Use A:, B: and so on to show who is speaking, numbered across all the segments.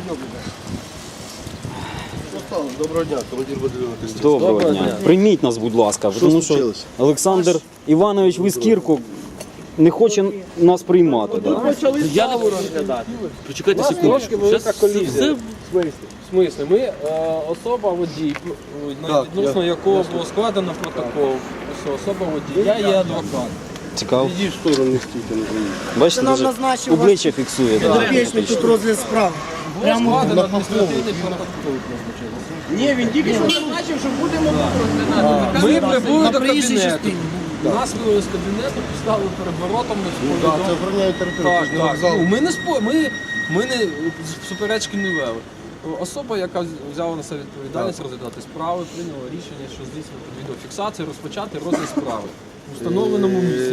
A: Доброго дня, командир батальйону.
B: Доброго дня. Прийміть нас, будь ласка, тому що Олександр Іванович Вискірко не хоче нас приймати. Да?
C: Я не буду розглядати. Почекайте секундочку. В смислі? Ми особа водій, відносно якого було складено протокол. Особа водій. Я є адвокат.
B: Цікаво.
A: Іди в сторону, не стійте, не боїться.
B: Бачите,
D: нам
B: навіть
D: назначив
B: обличчя фіксує. Да.
D: Підопічний тут розгляд справи.
C: Було складено адміністративний протокол.
D: Ні, він тільки що назначив, що будемо розглядати.
C: Ми прибули
D: На
C: до
D: проїжджій
C: кабінету.
D: частині.
C: Нас вивели з кабінету, поставили перед воротами.
A: Так, це охороняє територію,
C: Так,
A: це ж не
C: так.
A: вокзал.
C: Ну, ми не суперечки не вели. Особа, яка взяла на себе відповідальність розглядати справи, прийняла рішення, що здійснити відеофіксацію, розпочати розгляд справи у встановленому місці.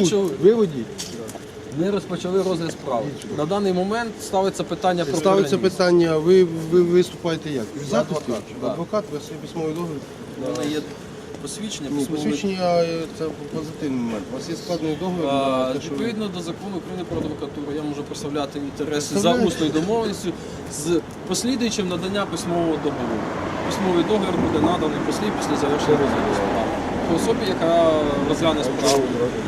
C: Ми розпочали розгляд справи. На даний момент ставиться питання про
A: Ставиться
C: переніс.
A: питання, ви виступаєте як? В захисті? Адвокат, ви свій письмовий договір?
C: У мене є посвідчення,
A: Ні,
C: письмове.
A: посвідчення це позитивний момент. У вас є складний договір? на те, що ви-
C: Відповідно до закону України про адвокатуру, я можу представляти інтереси
A: Та
C: за
A: ви-
C: усною домовленістю з послідуючим надання письмового договору. Письмовий договір буде наданий послід після завершення розгляду справи. По особі, яка розгляне справу,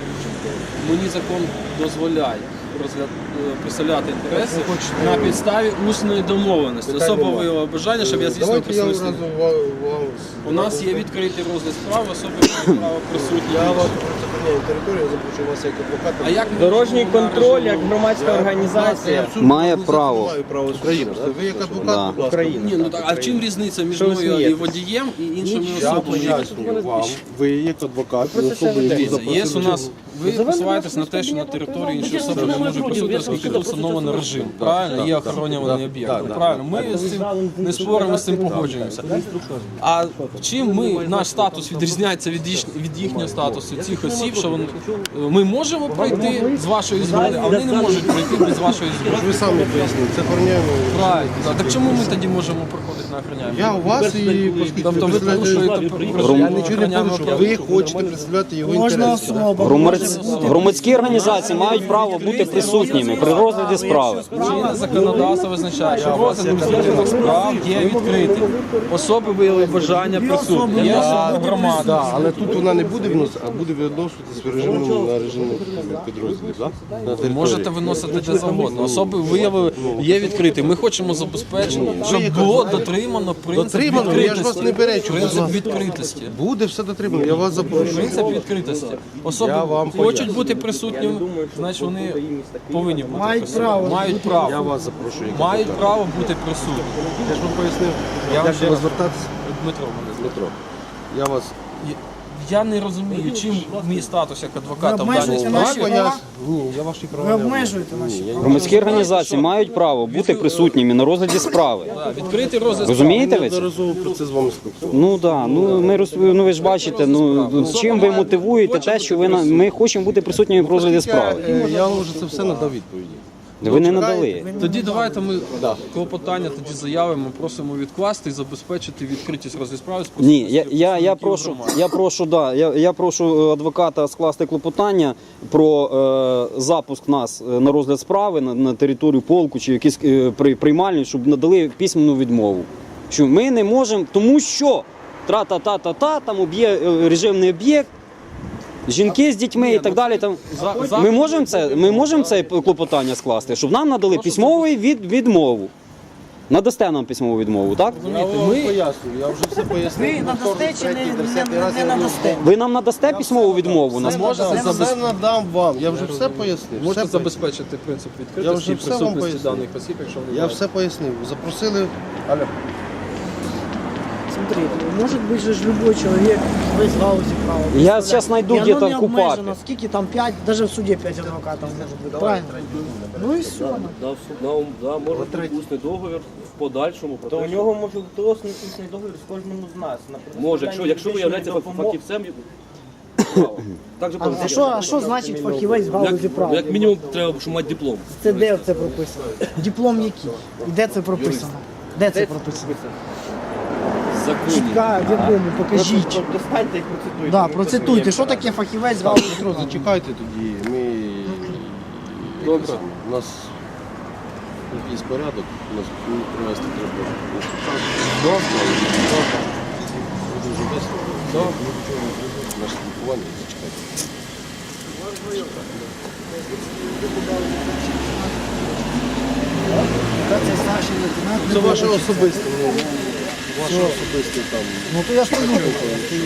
C: мені закон дозволяє представляти інтереси на підставі усної домовленості. Особа виявила бажання, щоб я здійснив
A: Давайте я
C: письмовий
A: одразу
C: договір.
A: вам...
C: У нас є відкритий розгляд справи, особи мають право присутні.
A: Я вас припиняю територію, я запрошую вас як адвоката.
C: А як ми
D: Дорожній
C: можемо
D: контроль,
C: на
D: як
C: режимі?
D: громадська організація.
B: Має право.
A: Маю право України. Ви як адвокат, будь ласка.
C: Ні, ну так, а в чим різниця між
D: Що ви
C: мною і
D: смієтесь?
C: водієм і іншими
A: Я
C: особами?
A: пояснюю вам, ви як адвокат, особи, які
C: Є у
A: запросили.
C: нас, ви посилаєтесь на те, що на території іншої особи не може присутити, оскільки тут встановлений режим. Правильно? Є охоронюваний об'єкт. Правильно? Ми з цим не споримо, з цим погоджуємося. А чим наш статус відрізняється від їхнього статусу цих осіб, що ми можемо пройти з вашої згоди, а вони не можуть пройти без вашої згоди.
A: Ви самі пояснили, це охороняємо.
C: Правильно. Так чому ми тоді можемо проходити на охороняємо?
A: Я у вас і оскільки
C: Тобто ви порушуєте
A: Я нічого не порушую. Ви хочете представляти його
D: Кожна
A: інтереси.
D: особа.
B: Громадські організації мають право бути присутніми при розгляді справи.
C: Чинне законодавство визначає, що розгляд розгляданих справ є відкритим. Особи виявили бажання присутні. Є особа громада.
A: Да, але тут вона не буде виносити, а буде відноситися в режимному на режимний підрозділ. Да? На території.
C: Можете виносити де завгодно. Особи виявили, є відкритим. Ми хочемо забезпечити, щоб було дотримано принцип
A: Дотримано? Я ж вас не перечу, будь
C: Принцип
A: ласка.
C: відкритості.
A: Буде все дотримано, я вас запрошую.
C: Принцип відкритості. Особи
A: Я вам
C: хочуть
A: поясню.
C: бути присутніми, значить вони повинні бути
D: Мають
C: присутніми.
D: право.
C: Мають
A: Я
C: право.
A: вас запрошую. як
C: Мають
A: адвоката.
C: право бути присутніми.
A: Я ж вам пояснив,
C: Я вам
A: як
C: ще
A: до вас
C: раз-
A: звертатися.
C: Дмитро мене звати.
A: Дмитро, я вас...
C: Я не розумію, чим мій статус як адвоката в даній
D: обмежуєте
C: справі.
D: наші
A: Я
D: права?
A: поясню. Ні, я ваші права
D: Ви
A: не
D: обмежуєте наші права.
B: Громадські організації мають право бути присутніми на розгляді справи.
C: Так, відкритий розгляд
B: Розумієте ви це?
A: Неодноразово про це з вами спілкувався.
B: Ну да, ну ви ж бачите, чим ви мотивуєте те, що ми хочемо бути присутніми при розгляді справи.
A: Я вам вже це все надав відповіді.
B: Ви не надали.
C: Тоді давайте ми клопотання тоді заявимо, просимо відкласти і забезпечити відкритість розгляду справи. з
B: Ні,
C: присутністю
B: я
C: представників громади.
B: я прошу адвоката скласти клопотання про запуск нас на розгляд справи на територію полку чи якісь приймальні, щоб надали письменну відмову. Що ми не можемо, тому що тра-та-та-та-та, там режимний об'єкт, жінки з дітьми і так далі. Там ми можемо це клопотання скласти, щоб нам надали письмову відмову. Надасте нам письмову відмову, так?
A: Я вам пояснюю, я вже все пояснив.
D: Ви надасте чи
A: Третій,
D: не
A: десятий раз я
D: надасте?
B: Ви нам надасте письмову відмову?
A: Я все надам вам, я вже все пояснив.
C: Можете
A: все
C: забезпечити принцип
A: Я
C: відкритості
A: вже
C: і
A: все вам
C: присутності
A: пояснив.
C: даних осіб, якщо вони
A: Я все пояснив. Запросили. Алло.
D: Смотрите, может быть же любой человек в галузі права.
B: Я сейчас найду
D: И оно
B: где-то
D: не
B: в Купапе.
D: обмежено. Скільки там 5, даже в суді 5 адвокатів може бути. Правильно? Ну і все.
E: Да, може бути усний договір в подальшому. Про
F: То
E: те,
F: у
E: що-
F: нього може бути усний договір з кожним з нас. на
E: Може,
F: предоставляння
E: якщо ви
F: медичної
E: являєтеся
F: допомоги.
E: фахівцем, право. Так же
D: А що значить фахівець в галузі права?
E: як мінімум треба, щоб мати диплом.
D: Це де це прописано? Диплом який? І де це прописано? Де це прописано?
E: В законі.
D: Чітка, в якому? Покажіть.
F: Достаньте і процитуйте.
D: Да, процитуйте, що таке фахівець в галузі
A: Петро, зачекайте тоді. Ми...
C: Добре.
A: У нас якийсь порядок, у нас привезти треба інструктаж. Дуже весело. Наше спілкування зачекайте.
D: Це старший лейтенант.
A: Це ваше особисте, ваше особисте там.
D: Ну то я ж не буду.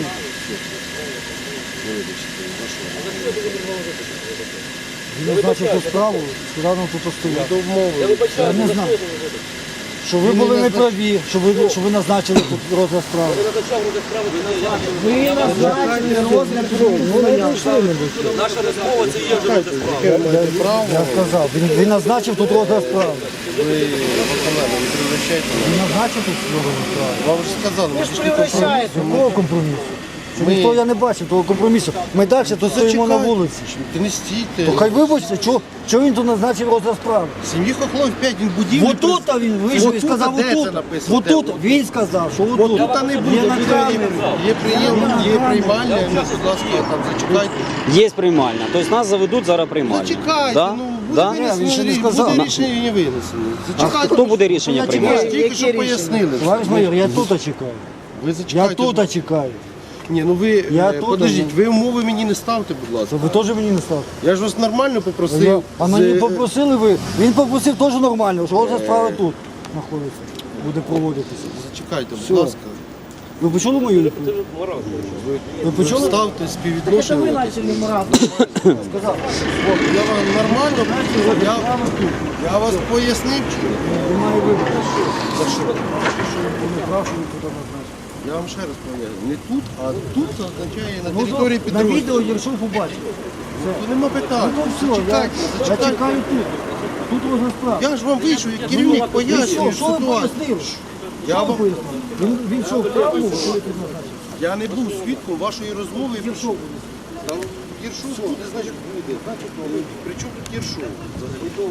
D: Він назначив ту справу, сказав нам тут постояти. Я не знаю. Що ви були неправі, що ви назначили тут розгляд справи. Ви назначили розгляд справи.
E: Наша розмова це є вже розгляд справи.
D: Я сказав, він назначив тут розгляд справи.
A: Ви виконали, не превращайте.
D: Він назначив тут розгляд справи.
A: Вам вже сказали, ми ж пішли
D: Якого компромісу? Що
A: Ми-
D: ніхто я не бачив того компромісу. Ми далі тут стоїмо на вулиці.
A: Ти не стійте.
D: То хай вибачте, чого він тут назначив розгляд справи?
A: Сім'ї Хохлов 5, він будівлі.
D: Отут він вийшов і сказав,
A: де це
D: отут.
A: написано?
D: Отут він сказав, що отут.
A: Тут не буде,
D: Є на камері.
A: є приймальня, ну, будь ласка, там зачекайте.
B: Є приймальня. Тобто нас заведуть зараз приймальня.
A: Зачекайте,
B: Да?
A: ну
B: Да?
A: буде
D: Ні, він ще не
A: винесено,
D: сказав.
A: буде рішення не винесено.
B: А
A: Зачекайте.
B: хто буде рішення
D: Я
B: приймати?
D: чекаю.
A: Тільки що
D: Які
A: пояснили.
D: Товариш майор, я тут чекаю.
A: Ви
D: Я
A: зачекайте.
D: тут чекаю.
A: Ні, ну ви,
D: Я тут,
A: подождіть, ви умови мені не ставте, будь ласка.
D: То ви теж мені не ставте.
A: Я ж вас нормально попросив.
D: А мені попросили ви. Він попросив теж нормально, що розгляд справи тут знаходиться. Буде проводитися.
A: Зачекайте,
D: Все.
A: будь ласка.
D: Ви почули мою відповідь? Ви почули?
A: Ставте співвідношення.
D: Сказав.
A: От, я вам нормально, я вас пояснив, чи ні?
D: Немає вибору. За що? Що він не прав, що він тут назначив.
A: Я вам ще раз поясню. Не тут, а тут означає на
D: Ну,
A: території
D: на
A: підрозділу.
D: відео Єршов побачив.
A: То нема питань.
D: Ну все, я
A: Зачекайте, зачекайте.
D: чекаю тут. Тут розгляд справи.
A: Я ж вам вийшов, як керівник пояснюю
D: Що ви
A: ситуацію.
D: пояснили?
A: Я
D: Що ви
A: вам-
D: пояснили? Він що, вправо, коли тут назначив?
A: Я не був свідком вашої розмови.
D: Єршов.
A: Там Єршов буде, значить буде. Значить, ну, при чому тут Єршов? Взагалі.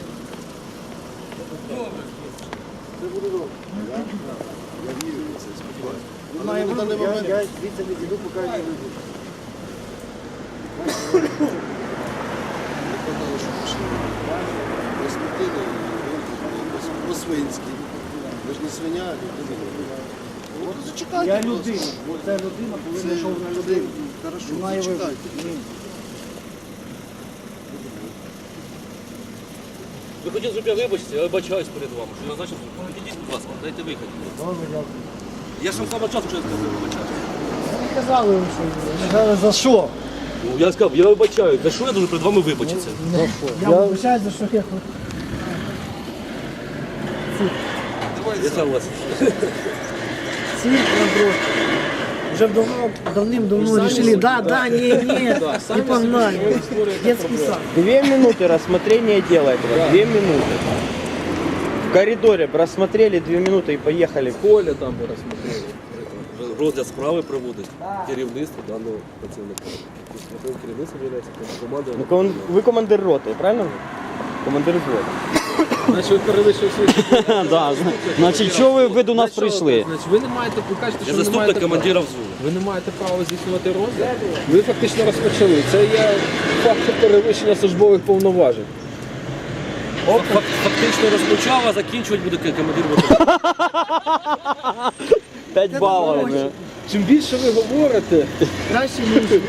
A: Це буде добре. Я вірю в це, сподіваюся. Але на даний момент...
D: Я звідси не піду, поки не вийду.
A: Казали, що пішли. Розплатили по-свинськи. Ви ж не свиня, а людина. От зачекайте.
D: Я
A: будь ласка.
D: людина. Це людина, коли
A: Це
D: знайшов на людину.
A: Хорошо,
D: Немає вибору.
A: зачекайте.
D: Ні.
E: Ви хотіли, щоб я вибачився, я вибачаюсь перед вами. Що я назначив, підійдіть, будь ласка, дайте вихід.
D: Добре, дякую.
E: Я ж вам саме часу, що я сказав, вибачаюсь.
D: Не казали вам, що ви казали, за що?
E: Ну, я сказав, я вибачаюсь. За що я дуже перед вами вибачитися?
D: Я вибачаюсь, за що я хочу.
E: Я согласен.
D: Цирк на дрожке. Уже давным-давно решили, да, не, и погнали. Детский сад.
F: 2 минуты рассмотрения дела этого. 2 минуты. В коридоре рассмотрели 2 минуты и поехали.
C: Коля там би розсмотрели.
E: Розгляд справи проводить керівництво даного працівника. Тобто керівництво є командою.
F: Ну, вы командир роты, правильно? Командир взвода.
C: Значить, ви перевищили свої.
B: Да, значить, чого ви до нас прийшли?
C: Значить, ви не маєте, ви кажете,
E: Я
C: що не
E: заступник
C: маєте
E: командира
C: права.
E: взводу.
C: Ви не маєте права здійснювати розгляд. Ви фактично розпочали. Це є факт перевищення службових повноважень.
E: Фактично розпочав, а закінчувати буде командир ВТО.
B: 5 балів.
C: Чим більше ви говорите,
D: Краще ніж.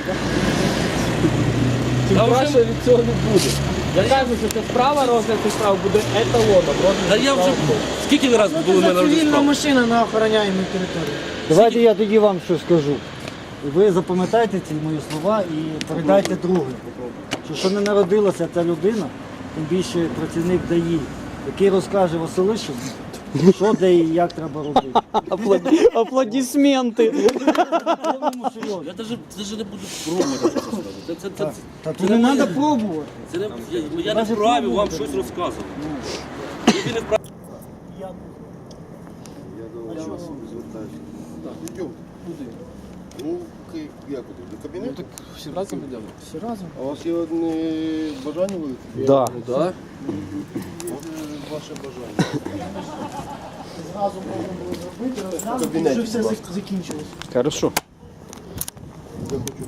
C: тим краще від цього не буде. Я кажу, що ця справа, розгляд цієї справи буде еталоном.
E: Та я вже скільки ви разів були в мене на розгляд
D: Цивільна
E: справи?
D: машина на охороняємій території. Давайте я тоді вам що скажу. Ви запам'ятайте ці мої слова і передайте другим. Що не народилася ця людина, тим більше працівник ДАІ, який розкаже Василишу, що де і як треба робити.
B: Аплодисменти.
D: Повному серйозі.
E: Я навіть не буду пробувати щось сказати.
D: Та тут не треба пробувати.
E: Я не вправі вам щось розказувати. Ви не вправі.
A: Я до вас звертаюся. Так, йдемо. Куди? Ну, як куди? До кабінету?
C: Всі разом йдемо.
D: Всі разом.
A: А у вас є одне бажання велике?
B: Да.
C: Так?
A: Ваше бажання.
D: Зразу можна було зробити, розглянути,
A: Кабінеті,
D: вже все
A: будь ласка.
D: закінчилось.
B: Хорошо.
A: Я хочу